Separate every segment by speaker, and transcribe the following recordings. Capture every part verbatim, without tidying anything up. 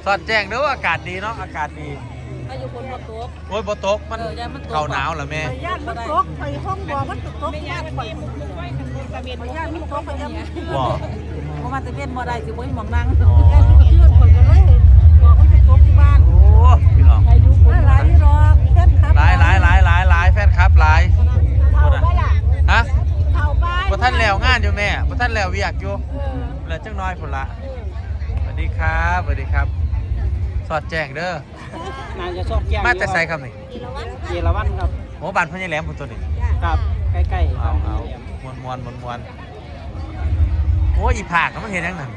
Speaker 1: สอดแจ้งเด้ออากาศดีเนาะอากาศดี
Speaker 2: ถ้าอยู่คนบนโต๊ะ
Speaker 1: โอ้ยบ่ตกมันเข่าหนาวเหรอแม่
Speaker 3: ย่านมันตกไปห้องบ่มันตกตกย่านไปมุกมุกไว้กันกระเบียนย่านมันตกไปย่าน
Speaker 1: บ่
Speaker 2: เพราะมันจะเป็นบ่ได้สิบ่มีหม่องนั่ง
Speaker 3: ย่านมันเชื่อนคนกันเลยบอกมันไปตกที่บ้าน
Speaker 1: โอ้พี่น้อง
Speaker 3: หลายรอบแฟนคลับ
Speaker 1: หลายหลายหลายหลายหลายแฟนคลับหลายคนน่ะฮะ
Speaker 3: เข้าไป
Speaker 1: บ่ทันแล้วงานอยู่แม่บ่ทันแล้วเวียกอยู่เหลือจังน้อยพุ่นละสวัสดีครับสวัสดีครับสอดแจ้งเด้อ
Speaker 4: น่าจะชอบแก้ง
Speaker 1: มาแต่ใส่ครับนี่
Speaker 4: เยลวันครับ
Speaker 1: โอ้บ้านพ่อใหญ่แหลมพุ่นตัวนี้
Speaker 4: ครับใกล้ๆ
Speaker 1: เอาเอามวนมวนมวนมวนโอ้อีผากมันเห็นยังนั่น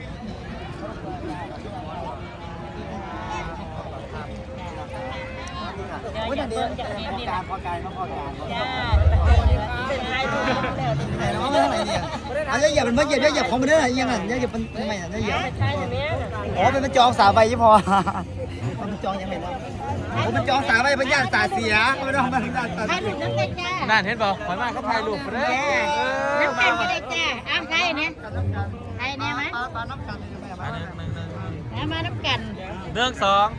Speaker 4: โอ้ยเดี๋ยวจะมีนี่นะพอการพอการจ้าเป็นไงดูแล้วเป็นไงเนาะอะไรเนี่ยอันนี้อย่าเป็นเมื่อเหยียบอย่าเหยียบของมันเด้อยังไงอย่าเหยียบเป็นทำไมอ่ะอย่าเหยียบอ๋อเป็นมันจองสาใบยี่พอมันจองยังไงเนาะโอ้มันจองสาใบเป็นญาติสาเสียไม่ต้องมาญาติสาเสีย
Speaker 1: นั่นเห็นป่ะหอยมากเขาถ่ายรูปไปเลย
Speaker 3: น้ำกันก็ได้จ้าอ้าวใครเนี่ยใครเนี่ยมั้ย
Speaker 4: ปลาน้ำกัน
Speaker 1: มาหนึ่งหนึ่งหนึ่ง
Speaker 3: แล้วมาน้ำกัน
Speaker 1: เรื่องสอง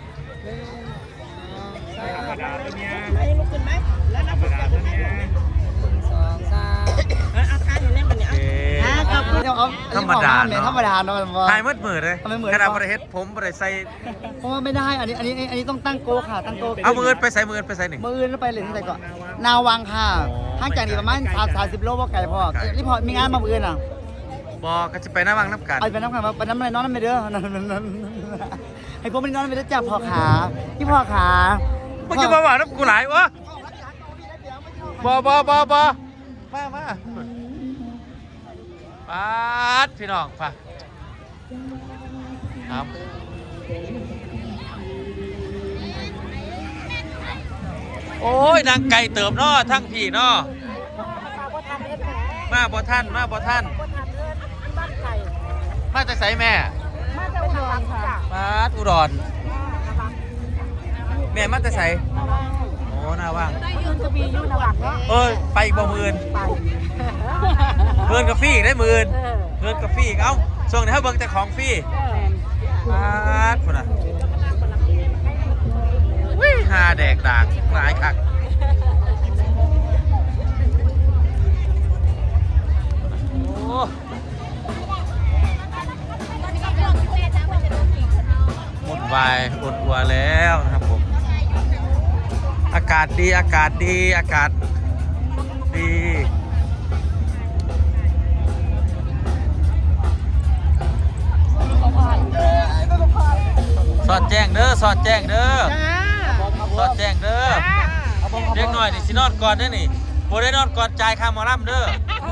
Speaker 4: ธรรมดาตัวเนี้ย
Speaker 3: ไอ้ลูกขึ้นไหมแล้วน้ำกันตัวเนี้ย
Speaker 2: สองสาม
Speaker 3: อาคารอยู่เล่นมันเนี่ยอ่ะขอบคุณ
Speaker 1: ธรรมดาเนาะ
Speaker 4: ธรรมดาเนาะ
Speaker 1: ถ่ายมืดมืดเลยขนาดบริเฮ็ดผมบริใส่
Speaker 4: เพราะว่าไม่ได้อันนี้อันนี้อันนี้ต้องตั้งโกค่ะตั้งโก
Speaker 1: เอามือไปใส่มือไปใส่หนึ่ง
Speaker 4: มือแล้วไปเลยที่ไหนก่อนนาวังค่ะห่างจากนี้ประมาณสามสามสิบโลว่าไกลพอนี่พอมีงานมามือน่ะ
Speaker 1: บอกก็จะไปน้ำวังน้ำกัน
Speaker 4: ไปไปน้ำกันไปน้ำอะไรน้องน้ำไปเด้อให้พวกมันน้องไปเด้อจับพอขาที่พอขา
Speaker 1: มึงจะมาว่าน้ำกูหลายวะบอบอบอบอมามาปาดพี่น้องป่ะครับโอ้ยนางไก่เติมน้อทั้งพี่น้อมาบ่ท่านมาบ่ท่านมาจะใส่แม่
Speaker 3: มาจะอุดรค่ะ
Speaker 1: มาอุดรแม่มาจะใส่โอ้หน้าว่าง
Speaker 3: ยืนจะมีอยู่ระหว่างเนาะ
Speaker 1: เอ้ยไปอีกบ่หมื่นเงินกับฟรีได้หมื่นเงินกับฟรีเอ้าช่วงนี้เขาเบิ่งแต่ของฟรีมาคนน่ะวิ่งหาแดกดากหลายคักโอ้หมดวายหมดวัวแล้วนะครับผมอากาศดีอากาศดีอากาศดีสอดแจ้งเด้อสอดแจ้งเด้อสอดแจ้งเด้อเรียกหน่อยนี่สินอนก่อนเด้อนี่โบได้นอนก่อนจ่ายค่าหมอลำเด้อ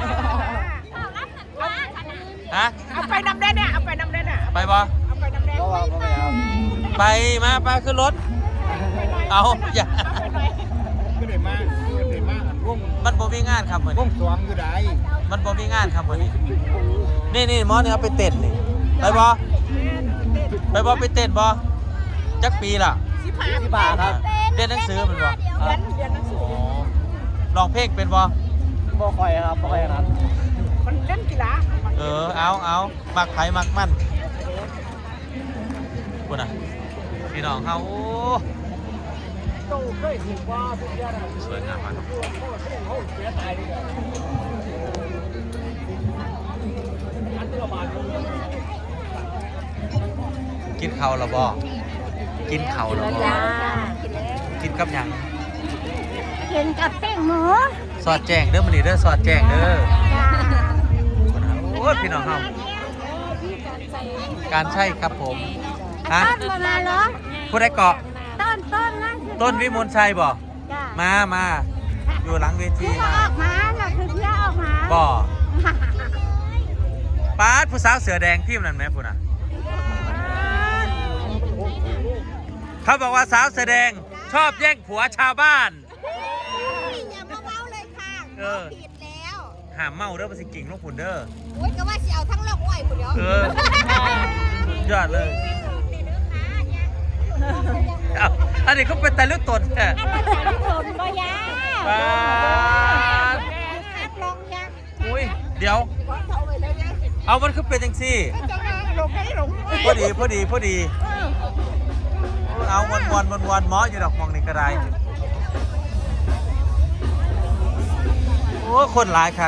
Speaker 1: ฮะ
Speaker 3: เอาไปนำได้เนี่ยเอาไปนำได้เนี่ย
Speaker 1: ไปบ่
Speaker 3: เอาไปนำได้
Speaker 1: ไปมาไปขึ้นรถเอาอย่า
Speaker 4: ก็ได้มากก็ได้มาก
Speaker 1: มันบ่มีงานครับมื้อนี้
Speaker 4: สวงอยู่ไหน
Speaker 1: มันบ่มีงานครับมื้อนี้นี่นี่หมอนี่เอาไปเต้นนี่ไปบ่ไปบ่ไปเต้นบ่จักปีล่ะ
Speaker 3: สิบห้า
Speaker 4: ที่บาครับ
Speaker 1: เรียนหนังสือมันบ่
Speaker 3: เรียนเรียนหนังสือ
Speaker 1: ร้องเพลงเป็นบ่
Speaker 4: บ่คอยครับบ่คอยครับ
Speaker 3: มันเล่นกีฬา
Speaker 1: เออเอาเอามักไผมักมันพุ่นน่ะพี่น้องเฮาโอ้สวยงามมากครับกินข้าวแล้วบ่กินข้าวแล้วบ่กินกับหยัง
Speaker 3: กินกับแป้งหมู
Speaker 1: สอดแจ้งเด้อมื้อนี้เด้อสอดแจ้งเด้อโอ้ยพี่น้องเฮาการใช่ครับผมฮะ
Speaker 3: ต้นมาเหรอ
Speaker 1: ผู้ใดเกาะ
Speaker 3: ต้นต้นนั่น
Speaker 1: ต้นวิมลชัยบ่
Speaker 3: จ้า
Speaker 1: มามาอยู่หลังเวที
Speaker 3: เที่ยว
Speaker 1: มา
Speaker 3: ออกมาน่ะคือเที่ยวออกมา
Speaker 1: บ่ป๊าดผู้สาวเสือแดงทีมนั้นไหมพุ่นน่ะเขาบอกว่าสาวเสือแดงชอบแย่งผัวชาวบ้าน
Speaker 3: อย่ามาเมาเลยค่ะผิดแล้ว
Speaker 1: ห้ามเมาเด้อภาษีกิ่งลูกขุนเด้อ
Speaker 3: โอ๊ยก็ว่าสิเอาทั้งโลกไว้ผู้เดียว
Speaker 1: เออยอดเลยเอาอันนี้เขาเป็นแต่ลูกตนแท้
Speaker 3: อันนั้นแต่ลูกหล่นก็ยา
Speaker 1: ป๊าด
Speaker 3: อัดลองยา
Speaker 1: อุ้ยเดี๋ยว
Speaker 3: เอาไปเลยนะ
Speaker 1: เอามันคือเป็นจังซี่
Speaker 3: จะมาหลงให้หลง
Speaker 1: พอดีพอดีพอดีเอาวนวนวนวนๆหมออยู่ดอกมองนี่ก็ได้โอ้คนหลายคัก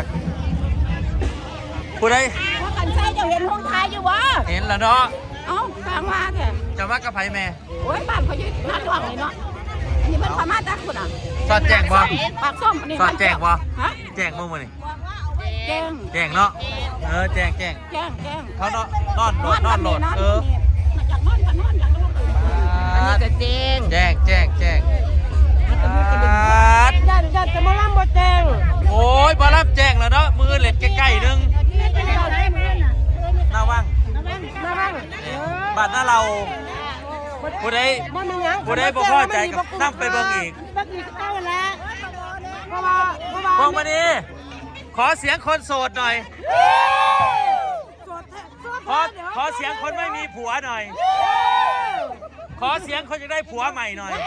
Speaker 1: ผู้ใด
Speaker 3: ว่ากันใช่เจ้าเห็นห้องท้ายอยู่วะ
Speaker 1: เห็นแล้วเนาะ
Speaker 3: เอ้าทางว่าแท้
Speaker 1: จะว่ากระไผแม่
Speaker 3: โอ้ยบ้านเขาอยู่หน้าหลวงเลยเนาะอันนี้มันพม่าตาคุณอ่ะ
Speaker 1: สอดแจ้งบ่
Speaker 3: ปากส้มอันนี้
Speaker 1: สอดแจ้งบ่
Speaker 3: ฮะ
Speaker 1: แจ้งบ่มื้อนี่
Speaker 3: แจ้ง
Speaker 1: แจ้งเนาะเออแจ้งแจ้ง
Speaker 3: แจ้งแจ้ง
Speaker 1: เขานอนนอนโหลดนอนโหลดเออ
Speaker 3: มาจากนอนกันนอนจากนอนอันนี้ก็แจ้ง
Speaker 1: แจ้งแจ้งแจ้ง
Speaker 3: ญาติญาติจะมาล่ำบ่แจ้ง
Speaker 1: โอ้ยบอรับแจ้งแล้วเนาะมือเล็ดใกล้ๆนึงหน้าว่าง
Speaker 3: มาบ้าง
Speaker 1: บ้านหน้าเราผู้ใด
Speaker 3: บ่มีหยัง
Speaker 1: ผู้ใดบ่พอใจกับนั่งไปเบิ่งอีก
Speaker 3: บักอีกเอาแล้วเพราะว่าเพราะว่า
Speaker 1: พวงมาดีขอเสียงคนโสดหน่อย ขอขอเสียงคนไม่มีผัวหน่อย ขอเสียงคนอยากได้ผัวใหม่หน่อย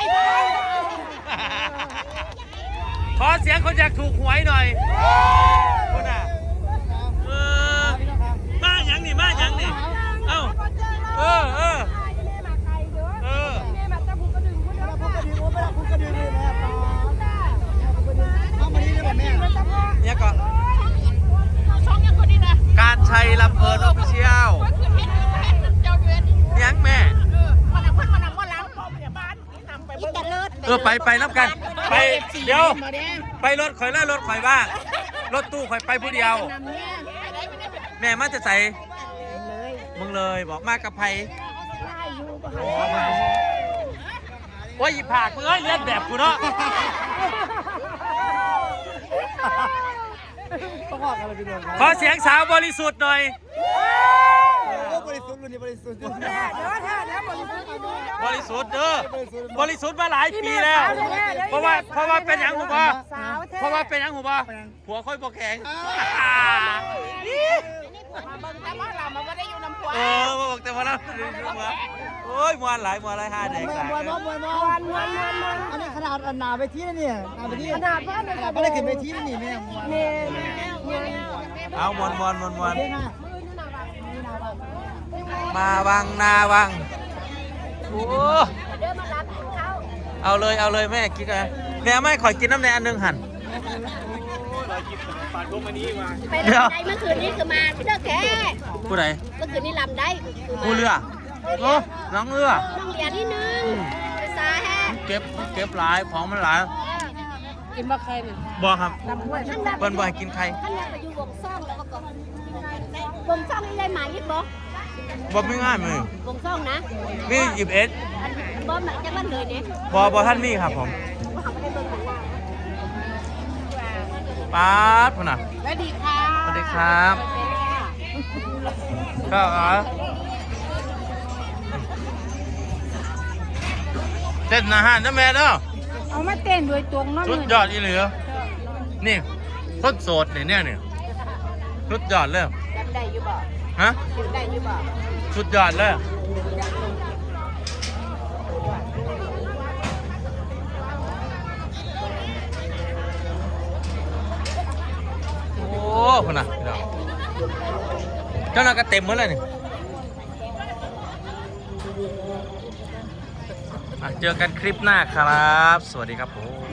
Speaker 1: ขอเสียงคนอยากถูกหวยหน่อยคุณอ่ะเออมาหยังนี่มาหยังนี่เอ้าเออเออเออเนี่ยก็การชัยลำเพลินออฟฟิเชียลยังแม่เออไปไปน้ำกัน ไปเดี๋ยวไปรถข่อยแล้วรถข่อยบ้างรถตู้ข่อยไปผู้เดียว แม่มาจะใส่มึงเลยบอกมากับไผโอ้ยผากมึงเอ้ยเลียนแบบกูเนาะ ขอเสียงสาวบริสุทธิ์หน่อย
Speaker 4: บริสุทธิ์รุ่นนี้บริสุทธิ์
Speaker 1: บริสุทธิ์เด้อบริสุทธิ์มาหลายปีแล้ว เพราะว่าเพราะว่าเป็นหยังหูบ่เพราะว่าเป็นหยังหูบ่ผัวค่อยบ่แข็งเออมาบอกแต่ว่าเราโอ้ยมวนหลายมวนหลายห้าแดง
Speaker 4: ม
Speaker 1: สาย
Speaker 4: วยมวยมวยมวยอันนี้ขนาดอันหนาไปที่นี่เนี่ยหนาไปที่ขนาดไม่ได้ขึ้นไปที่นี่แม่มวย
Speaker 1: เอามวนมวนมวนมวนมาวังนาวังโอ้เอาเลยเอาเลยแม่กิ๊กอะแม่ไม่ขอกินน้ำแดงอันหนึงหั่น
Speaker 5: ไปลำได้เมื่อคืนนี้คือมาเลิกแค่
Speaker 1: ผู้ใด
Speaker 5: เมื่อคืนนี้ลำได้คือมา
Speaker 1: ผู้เรือโอ้น้องเรือ
Speaker 5: ต้องเรียนนิดนึงภาษาแฮะ
Speaker 1: เก็บเก็บหลายของมันหลาย
Speaker 3: กินบ่ใครนี่
Speaker 1: บ่ครับ
Speaker 5: ท่าน
Speaker 1: เปิ้นบ่ให้กินใคร
Speaker 5: ท่านไปอยู่วงซ่องแล้วก็วงซ่องนี่ได้หมายยิบบ่
Speaker 1: บ่มีง่ายมือ
Speaker 5: วงซ่องนะ
Speaker 1: มีหยิบเอ็ด
Speaker 5: อันบ่หมายจะบ้านเลยเนี่ย
Speaker 1: บ่บ่ท่านมีครับผมป๊าดพุ่นน่ะ
Speaker 3: สวัสดีค่ะ
Speaker 1: สวัสดีครับก็อ๋อเต้นอาหารนะแม่เด้อ
Speaker 3: เอามาเต้นด้วยตรงเนาะ
Speaker 1: สุดยอดอีเหลือนี่คนโสดเนี่ยเนี่ยเนี่ยสุดยอดเลย
Speaker 5: จำได้อยู่บ่
Speaker 1: ฮะ
Speaker 5: จำได้อยู่บ่
Speaker 1: สุดยอดเลยโอ้คนน่ะพี่น้องเจ้าหน้าก็เต็มหมดเลยนี่อ่ะเจอกันคลิปหน้าครับ สวัสดีครับผม